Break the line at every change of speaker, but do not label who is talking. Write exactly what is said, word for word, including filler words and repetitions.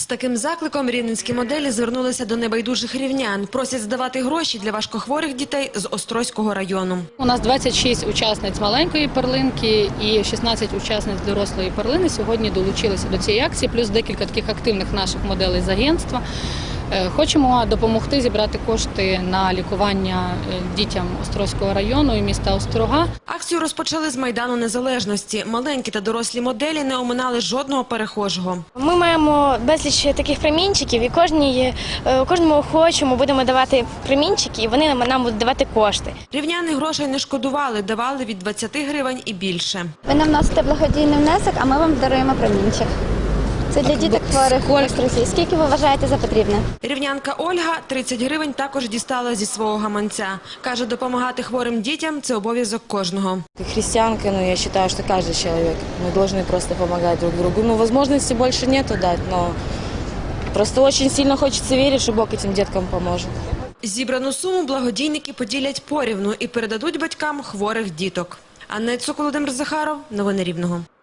таким закликом рівненські моделі звернулися до небайдужих рівнян. Просять здавати гроші для важкохворих дітей з Острозького району.
У нас двадцять шість учасниць маленької перлинки і шістнадцять учасниць дорослої перлини сьогодні долучилися до цієї акції, плюс декілька таких активних наших моделей з агентства. Хочемо допомогти зібрати кошти на лікування дітям Острозького району і міста Острога.
Акцію розпочали з Майдану Незалежності. Маленькі та дорослі моделі не оминали жодного перехожого.
Ми маємо безліч таких промінчиків і кожній, кожному охочому будемо давати промінчики, і вони нам будуть давати кошти.
Рівняни грошей не шкодували, давали від двадцяти гривень і більше.
Ви нам вносите благодійний внесок, а ми вам даруємо промінчик. Це для діток хворих в Острозі. Скільки ви вважаєте за потрібне?
Рівнянка Ольга тридцять гривень також дістала зі свого гаманця. Каже, допомагати хворим дітям – це обов'язок кожного.
Как христианка, ну, я считаю, что каждый человек, мы должны просто помогать друг другу. Ну, возможности больше нету дать, но просто очень сильно хочется верить, что Бог этим деткам поможет.
Зібрану суму благодійники поділять порівну і передадуть батькам хворих діток. Анна Цук, Володимир Захаров. Новини Рівного.